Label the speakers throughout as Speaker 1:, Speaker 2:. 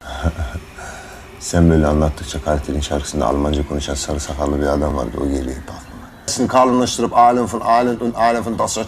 Speaker 1: Sen böyle anlattıkça Kartel'in şarkısında Almanca konuşan sarı sakallı bir adam vardı. O geliyor aklıma. Şimdi kalınlaştırıp Alem das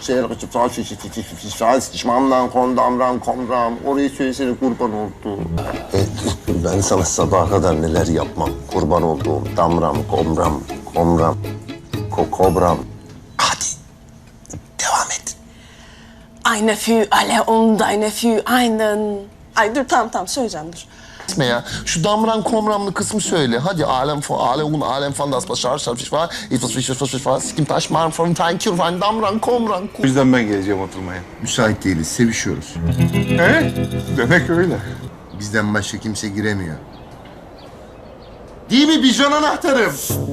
Speaker 1: Şişmandan komram orayı söylesene kurban oldu. Ben sana sabaha kadar neler yapmam. Kurban olduğum damram, komram, kobram. Hadi devam et.
Speaker 2: Eine für alle und eine für einen. Ay dur tamam söyleyeceğim dur.
Speaker 3: Ya. Şu damran komramlı kısmı söyle. Hadi alem fan das başar var. İfas var. Skim taş marm from thank you van damran komran.
Speaker 4: O yüzden ben geleceğim oturmaya.
Speaker 1: Müsait değiliz, sevişiyoruz.
Speaker 4: He? Demek öyle.
Speaker 1: Bizden başka kimse giremiyor. Değil mi bijon anahtarım?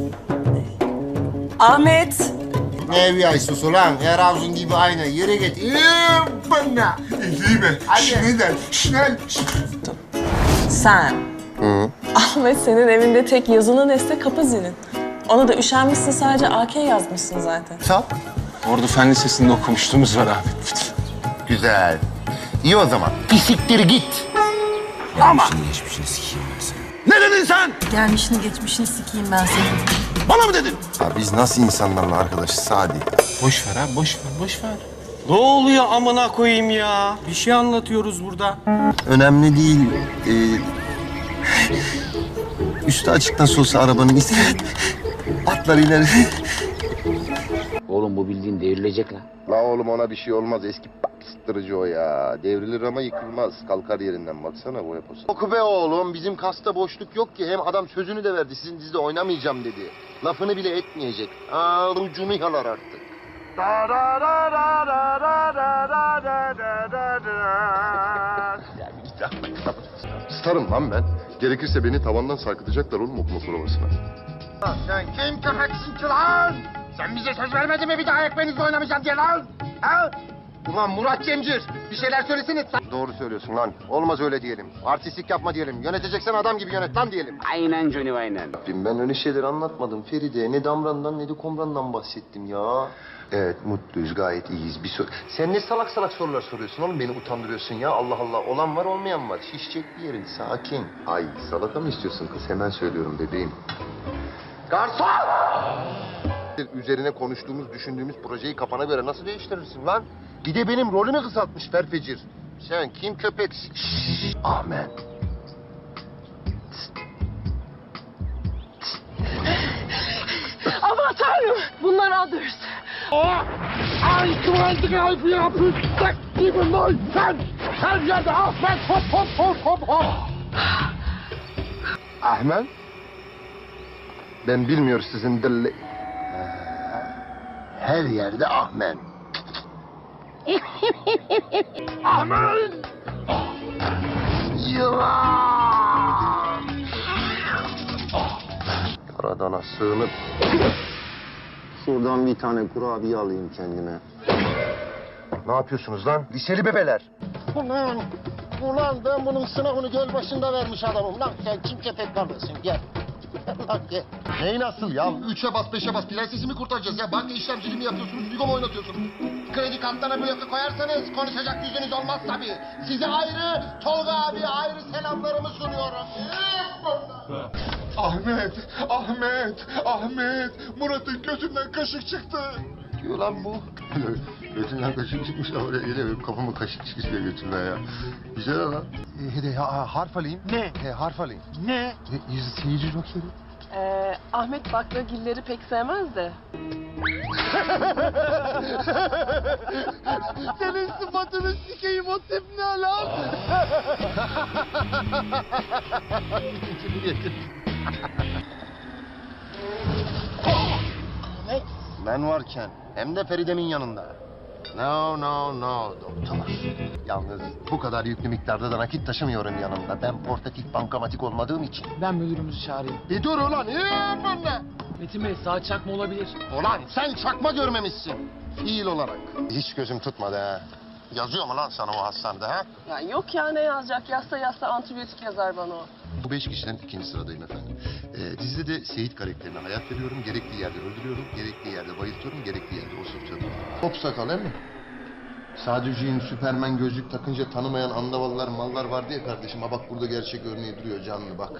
Speaker 2: Ahmet.
Speaker 1: Ne VIP'siz ulan? Her avzun gibi aynı. Yere git. Bana.
Speaker 4: Değil mi? Schnell.
Speaker 2: Sen. Ahmet senin evinde tek yazılı nesne kapı zilin. Ona da üşenmişsin sadece AK yazmışsın zaten.
Speaker 1: Sap.
Speaker 4: Ordu Fen Lisesi'nde okumuşluğumuz var abi.
Speaker 1: Güzel. İyi o zaman. Pisiktir git.
Speaker 3: Geçmişini sikeyim ben seni.
Speaker 1: Ne dedin sen?
Speaker 5: Gelmişini geçmişini sikeyim ben seni.
Speaker 1: Bana mı dedin? Ya biz nasıl insanlarla arkadaşız Sadi?
Speaker 4: Boş ver abi, boş ver. Ne oluyor amına koyayım ya? Bir şey anlatıyoruz burada.
Speaker 1: Önemli değil. Üstü açık nasıl olsa arabanın atlar ileri.
Speaker 6: Oğlum bu bildiğin devrilecek lan.
Speaker 1: La oğlum ona bir şey olmaz. Eski pastırıcı o ya. Devrilir ama yıkılmaz. Kalkar yerinden. Baksana bu yapısı. Oku be oğlum. Bizim kasta boşluk yok ki. Hem adam sözünü de verdi. Sizin dizide oynamayacağım dedi. Lafını bile etmeyecek. Ucunu yalar artık. Starım lan ben. Gerekirse beni tavandan sarkıtacaklar oğlum okuma provasına. Sen kim köpeksin ki lan? Sen bize söz vermedin mi bir daha ekmeğinizle oynamayacağım diye lan? Ha? Ulan Murat Cemcir, bir şeyler söylesene. Doğru söylüyorsun lan. Olmaz öyle diyelim. Artistlik yapma diyelim. Yöneteceksen adam gibi yönet lan diyelim.
Speaker 6: Aynen Johnny aynen.
Speaker 1: Ben öyle şeyler anlatmadım Feride. Ne Damran'dan ne de Komran'dan bahsettim ya. Evet mutluyuz gayet iyiyiz. Sen ne salak sorular soruyorsun oğlum beni utandırıyorsun ya. Allah Allah olan var olmayan var. Şişecek bir yerin sakin. Ay salata mı istiyorsun kız hemen söylüyorum bebeğim. Garson! Üzerine konuştuğumuz düşündüğümüz projeyi kafana göre nasıl değiştirirsin lan? Bir de benim rolümü kısaltmış Ferfecir. Sen kim köpeksin? Ahmet.
Speaker 2: Aman tanrım bunlar others.
Speaker 7: Ay tuvalete kalbi yapıştık gibi lan sen. Her yerde Ahmet hop.
Speaker 1: Ahmet? Ben bilmiyor sizin dilli... Her yerde Ahmet.
Speaker 7: Ahmet!
Speaker 1: Yılan! Karadana sığınıp... Şuradan bir tane kurabiye alayım kendime. Ne yapıyorsunuz lan? Liseli bebeler. Ulan ben bunun sınavını göl başında vermiş adamım. Lan sen kim köpek kardeşsin gel. Lan gel. Neyi nasıl ya? 3'e bas 5'e bas. Prensesi mi kurtaracağız ya? Banka işlemciliği mi yapıyorsunuz? Bigo mu oynatıyorsunuz? Kredi kartlarına bloke koyarsanız konuşacak yüzünüz olmaz tabii. Size ayrı, Tolga abi ayrı selamlarımı sunuyorum.
Speaker 7: Ahmet! Murat'ın gözünden kaşık çıktı.
Speaker 1: Diyor lan bu. Götünden kaşık çıkmış ama oraya geliyor. Kafama kaşık çıkmış diye götünden ya. Güzel lan. Harf alayım.
Speaker 7: Ne?
Speaker 1: Harf alayım.
Speaker 7: Ne?
Speaker 1: Seyirci jokeri.
Speaker 2: Ahmet baklagilleri pek sevmez de.
Speaker 7: Senin sıfatını sikeyim o tip ne lan?
Speaker 1: Ben varken hem de Feride'min yanında. No doktor. Yalnız bu kadar yüklü miktarda da nakit taşımıyorum yanımda. Ben portatif bankamatik olmadığım için.
Speaker 8: Ben müdürümüzü çağırayım.
Speaker 1: Bir dur ulan. Bununla.
Speaker 8: Metin Bey saat çakma olabilir.
Speaker 1: Ulan sen çakma görmemişsin. Fiil olarak. Hiç gözüm tutmadı ha. Yazıyor mu lan sana o hastanede ha?
Speaker 2: Ya yok ya ne yazacak? Yazsa antibiyotik yazar bana o.
Speaker 1: Bu 5 kişiden 2. sıradayım efendim. Dizide de Seyit karakterine hayat veriyorum. Gerektiği yerde öldürüyorum. Gerektiği yerde bayıltıyorum. Gerektiği yerde osurtuyorum. Top sakal he mi? Sadücüğün Süpermen gözlük takınca tanımayan andavallar mallar vardı ya kardeşim. Ha bak burada gerçek örneği duruyor canlı bak.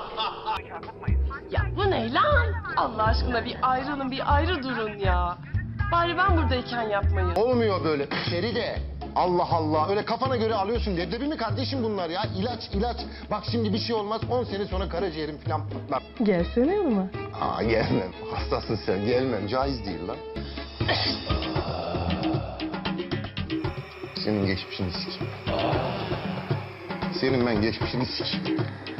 Speaker 9: Ya bu ne lan? Allah aşkına bir ayrılın, bir ayrı durun ya. Bari ben buradayken yapmayın.
Speaker 1: Olmuyor böyle Feride. Allah Allah. Öyle kafana göre alıyorsun. Leblebi mi kardeşim bunlar ya? İlaç. Bak şimdi bir şey olmaz. 10 sene sonra karaciğerim falan patlar.
Speaker 2: Gelsene yanıma.
Speaker 1: Aa gelmem. Hastasın sen. Gelmem. Caiz değil lan. Senin geçmişini sikeyim. Senin ben geçmişini sikeyim.